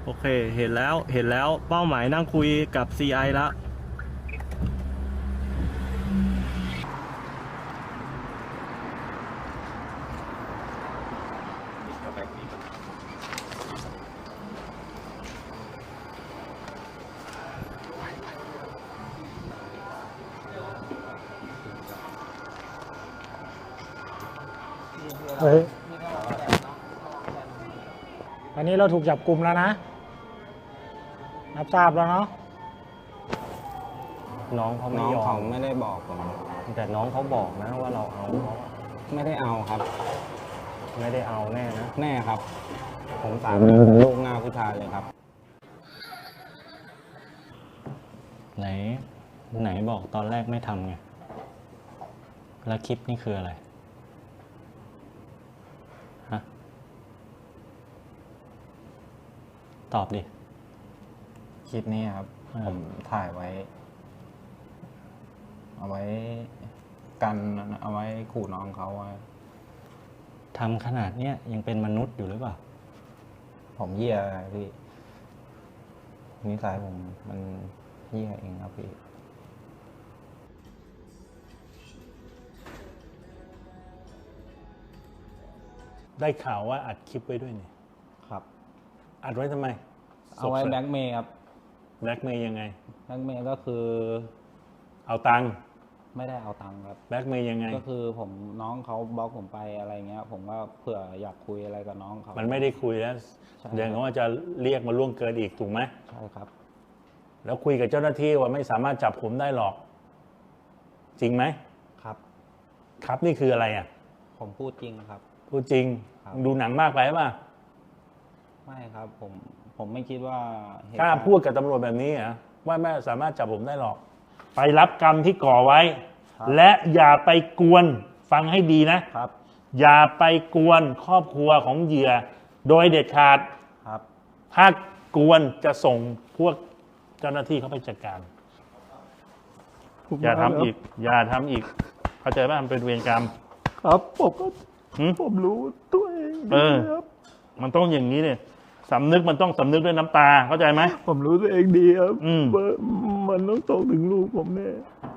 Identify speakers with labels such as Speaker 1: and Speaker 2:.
Speaker 1: โอเคเห็นแล้วเป้าหมายนั่งคุยกับ CI แล้ว
Speaker 2: เฮ้ยอันนี้เราถูกจับกลุ่มแล้วนะรับทราบแล้วเนาะ
Speaker 1: น้องเขาไม่
Speaker 3: น้อง
Speaker 1: ยอ
Speaker 3: เขา
Speaker 1: ม
Speaker 3: ไม่ได้บอกผม
Speaker 1: แต่น้องเขาบอกนะว่าเราเอาเขาอะ
Speaker 3: ไม่ได้เอาครับ
Speaker 1: ไม่ได้เอาแน่นะ
Speaker 3: แน่ครับ ผมสามีลูกหน้าผู้ชายเลยครับ
Speaker 1: ไหนบอกตอนแรกไม่ทำไงแล้วคลิปนี่คืออะไรฮะตอบดิ
Speaker 3: คลิปนี้ครับ ผมถ่ายไว้ เอาไว้กันเอาไว้ขู่น้องเขาไว้
Speaker 1: ทำขนาดเนี้ยยังเป็นมนุษย์อยู่หรือเปล่า
Speaker 3: ผมเหี้ยพี่นิสัยผมมันเหี้ยเองครับพี่
Speaker 4: ได้ข่าวว่าอัดคลิปไว้ด้วยเนี่ย
Speaker 3: ครับ
Speaker 4: อัดไว้ทำไม
Speaker 3: เอาไว้แบล็กเมย์ครับ
Speaker 4: แบล็กเมย์ยังไง
Speaker 3: แบล็กเมย์ก็คือ
Speaker 4: เอาตังค์
Speaker 3: ไม่ได้เอาตังค์ครับ
Speaker 4: แบล็กเมย์ยังไง
Speaker 3: ก็คือผมน้องเขาบล็อกผมไปอะไรเงี้ย ผมก็เผื่ออยากคุยอะไรกับน้องเขา
Speaker 4: มันไม่ได้คุยแล้ว
Speaker 3: ใช่
Speaker 4: เดี๋ยวเขาว่าจะเรียกมาล่วงเกินอีกถูกไหม
Speaker 3: ใช่ครับ
Speaker 4: แล้วคุยกับเจ้าหน้าที่ว่าไม่สามารถจับผมได้หรอก จริงไหม
Speaker 3: ครับ
Speaker 4: ครับนี่คืออะไรอ่ะ
Speaker 3: ผมพูดจริงครับ
Speaker 4: พูดจริง
Speaker 3: ครับ
Speaker 4: มึงดูหนังมากไปป่ะ
Speaker 3: ไม่ครับ ผมไม่คิดว่าเหตุ
Speaker 4: กล้า
Speaker 3: การณ์
Speaker 4: พูดกับตำรวจแบบนี้เหรอว่าไม่สามารถจับผมได้หรอก ไปรับกรรมที่ก่อไว้ และอย่าไปกวนฟังให้ดีนะ
Speaker 3: ครับ
Speaker 4: อย่าไปกวนครอบครัวของเหยื่อ โดยเด็ดขาด
Speaker 3: ครับ
Speaker 4: ถ้ากวนจะส่งพวกเจ้าหน้าที่เข้าไปจัดการ อย่าทำอีก อย่าทำอีก เข้าใจป่ะมันเป็นเวรกรรม
Speaker 2: ครับผมก็
Speaker 4: หึ
Speaker 2: ผมรู้ตัวเอง
Speaker 4: เอ
Speaker 2: ดี
Speaker 4: อ
Speaker 2: ครับ
Speaker 4: มันต้องอย่างนี้เนี่ยสำนึกมันต้องสำนึกด้วยน้ำตา เข้าใจไหม
Speaker 2: ผมรู้ตัวเองดีครับ
Speaker 4: อืม
Speaker 2: ว่ามันต้องตกถึงลูกผมแน่